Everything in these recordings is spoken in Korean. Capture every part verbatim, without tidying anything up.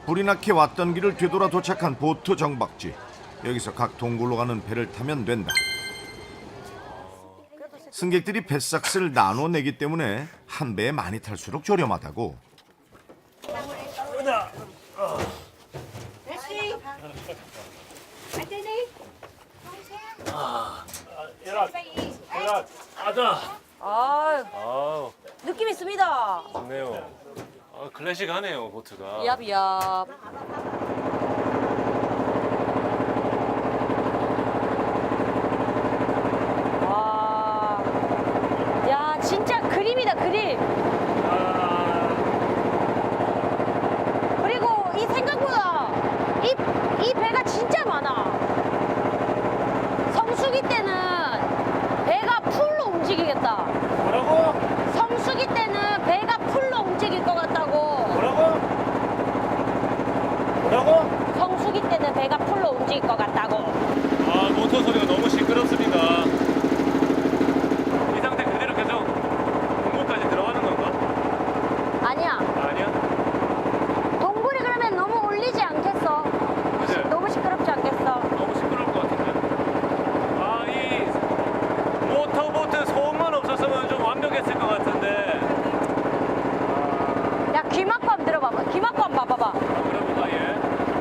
불이 나게 왔던 길을 되돌아 도착한 보트 정박지. 여기서 각 동굴로 가는 배를 타면 된다. 승객들이 배삭스를 나눠 내기 때문에 한 배에 많이 탈수록 저렴하다고. 아, 아, 느낌 있습니다. 좋네요. 아, 클래식하네요, 보트가. 얍얍. 와, 야, 진짜 그림이다, 그림. 그리고 이 생각보다 이, 이 배가 진짜 많아. 성수기 때는 배가 풀로 움직이겠다. 뭐라고? 성수기 때는 배가 풀로 움직일 것 같다고. 뭐라고? 뭐라고? 성수기 때는 배가 풀로 움직일 것 같다고. 아, 모터 소리가 너무 시끄럽습니다. 이 상태 그대로 계속 동굴까지 들어가는 건가? 아니야. 아니야? 동굴이 그러면 너무 울리지 않겠어? 그치? 너무 시끄럽지 않겠어? 너무 시끄러울 것 같은데. 아, 이 모터보트 소음만 없었으면 좀 완벽했을 것 같은데. 야, 귀 막고 한번 들어봐봐. 귀 막고 한번 봐봐봐. 아, 그래볼까, 얘?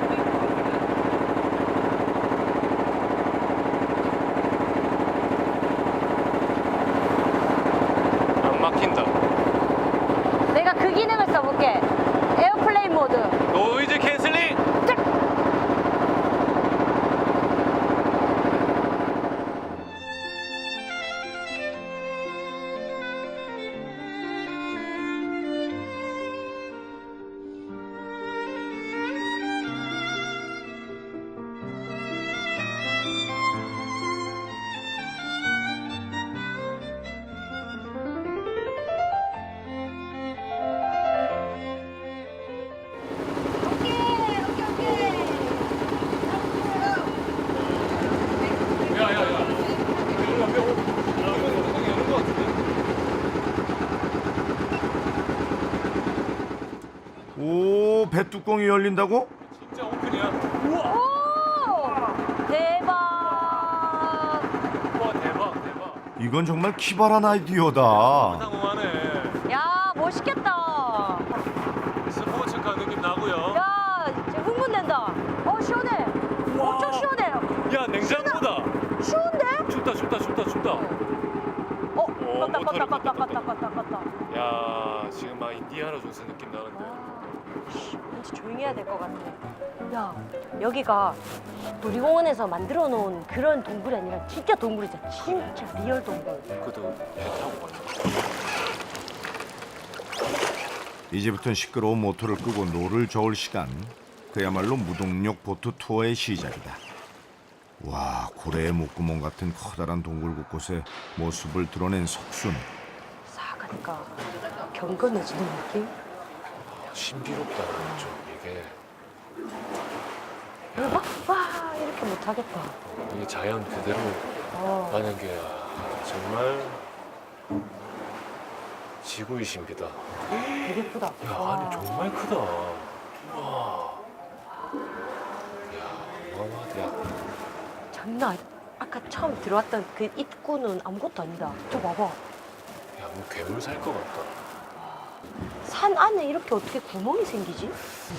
안 막힌다. 내가 그 기능을 써볼게. 에어플레인 모드. 노이즈 캔슬링! 짝! 야, 야, 야. 여기가 뼈, 아, 이거 엉덩이 여는 것 같은데? 오, 배 뚜껑이 열린다고? 진짜 오픈이야? 우와! 오! 대박! 우와, 대박, 대박. 이건 정말 기발한 아이디어다. 상공하네. 야, 멋있겠다. 스포츠카 느낌 나고요. 야, 진짜 흥분된다. 어, 시원해. 우와. 엄청 시원해. 야, 냉장고다. 추운데? 춥다, 춥다, 춥다, 춥다. 어, 오, 껐다, 모터를 껐다, 껐다, 껐다, 껐다, 껐다, 껐다. 야, 지금 막 인디아나 존스 느낌 나는데. 왠지 조용히 해야 될 것 같아. 야, 여기가 놀이공원에서 만들어 놓은 그런 동굴이 아니라 진짜 동굴이잖아. 진짜 리얼 동굴. 그래도 배 타고 가자. 이제부터는 시끄러운 모터를 끄고 노를 저을 시간. 그야말로 무동력 보트 투어의 시작이다. 와, 고래의 목구멍 같은 커다란 동굴 곳곳에 모습을 드러낸 석순. 싹 하니까 경건해지는 느낌? 신비롭다, 좀 이게. 막, 와, 이렇게 못하겠다. 이 자연 그대로 어. 가는 게 정말 지구의 신비다. 되게 예쁘다. 야, 와. 안이 정말 크다. 와. 야, 어마어마하다. 야, 장난 아니- 아까 처음 들어왔던 그 입구는 아무것도 아니다. 저 봐봐. 야, 뭐 괴물 살 것 같다. 산 안에 이렇게 어떻게 구멍이 생기지?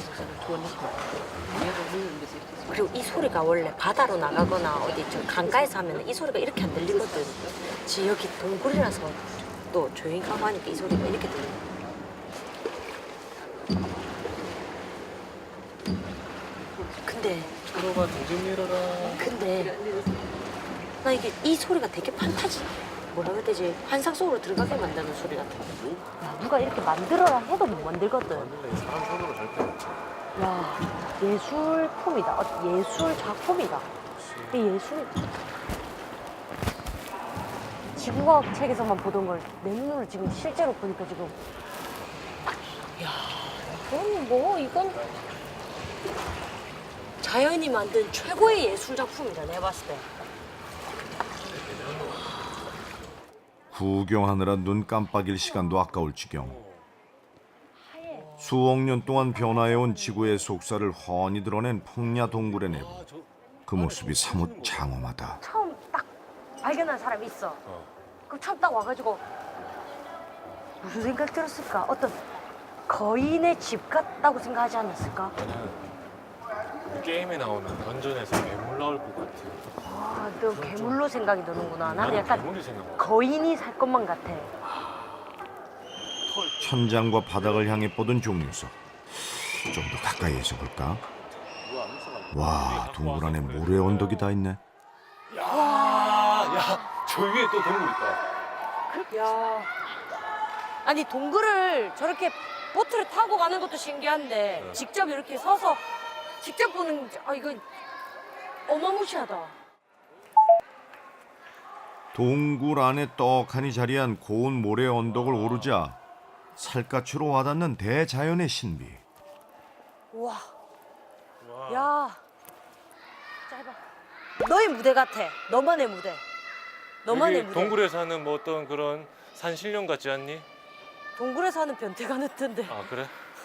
그리고 이 소리가 원래 바다로 나가거나 어디 저 강가에서 하면 이 소리가 이렇게 안 들리거든. 지 여기 동굴이라서 또 조용히 가고 하니까 이 소리가 이렇게 들려. 근데 프로가 동전 밀어라. 근데 나 이게 이 소리가 되게 판타지 뭐라 그래야 되지? 환상 속으로 들어가게 만드는 소리 같아. 야, 누가 이렇게 만들어라 해도 못 만들거든. 맞네, 사람 손으로 절대 못 쳐. 야, 예술품이다. 어, 예술 작품이다. 이 예술. 지구과학 책에서만 보던 걸 내 눈으로 지금 실제로 보니까 지금. 야, 이건 뭐 이건 자연이 만든 최고의 예술 작품이다. 내가 봤을 때. 구경하느라 눈 깜빡일 시간도 아까울 지경. 수억 년 동안 변화해온 지구의 속살을 훤히 드러낸 풍야 동굴의 내부. 그 모습이 사뭇 장엄하다. 처음 딱 발견한 사람이 있어. 그럼 처음 딱 와가지고 무슨 생각 들었을까? 어떤 거인의 집 같다고 생각하지 않았을까? 저는 게임에 나오는 던전에서 괴물 나올 것 같아요. 아, 너 괴물로 생각이 드는구나. 나는 약간 괴물이 생각나. 거인이 살 것만 같아. 천장과 바닥을 향해 뻗은 종류석. 좀 더 가까이에서 볼까? 와, 동굴 안에 모래 언덕이 다 있네. 야, 야, 저 위에 또 동굴 있다. 야, 아니 동굴을 저렇게 보트를 타고 가는 것도 신기한데 네. 직접 이렇게 서서 직접 보는 아 이거 어마무시하다. 동굴 안에 떡하니 자리한 고운 모래 언덕을 오르자 살갗으로 와닿는 대자연의 신비. 우와, 와. 야, 짧아. 너의 무대 같아. 너만의 무대. 너만의 여기 무대. 동굴에 사는 뭐 어떤 그런 산신령 같지 않니? 동굴에 사는 변태가 늦던데. 아 그래?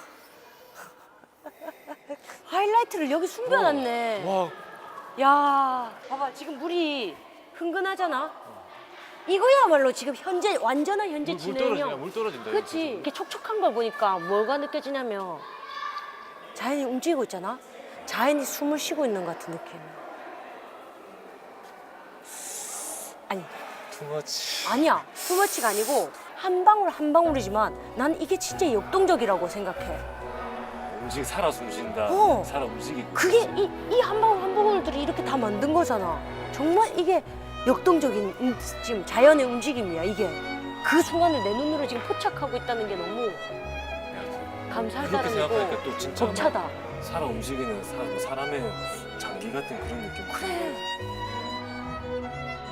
하이라이트를 여기 숨겨놨네. 와, 야, 봐봐 지금 물이 흥건하잖아. 이거야말로 지금 현재 완전한 현재 물, 물 떨어진다. 진행형. 물 떨어진다. 그렇지. 이렇게 촉촉한 걸 보니까 뭐가 느껴지냐면 자연이 움직이고 있잖아. 자연이 숨을 쉬고 있는 것 같은 느낌. 아니, 투머치. 아니야. 투머치가 아니고 한 방울 한 방울이지만 난 이게 진짜 역동적이라고 생각해. 움직 살아 숨쉰다. 어. 살아 움직이고. 그게 이 이 한 방울 한 방울들이 이렇게 다 만든 거잖아. 정말 이게 역동적인 음, 지금 자연의 움직임이야. 이게 그 순간을 내 눈으로 지금 포착하고 있다는 게 너무 감사할 그렇게 생각하니까 따름이고 또 진짜 벅차다. 살아 움직이는 사, 사람의 장기 같은 그런 느낌. 그래.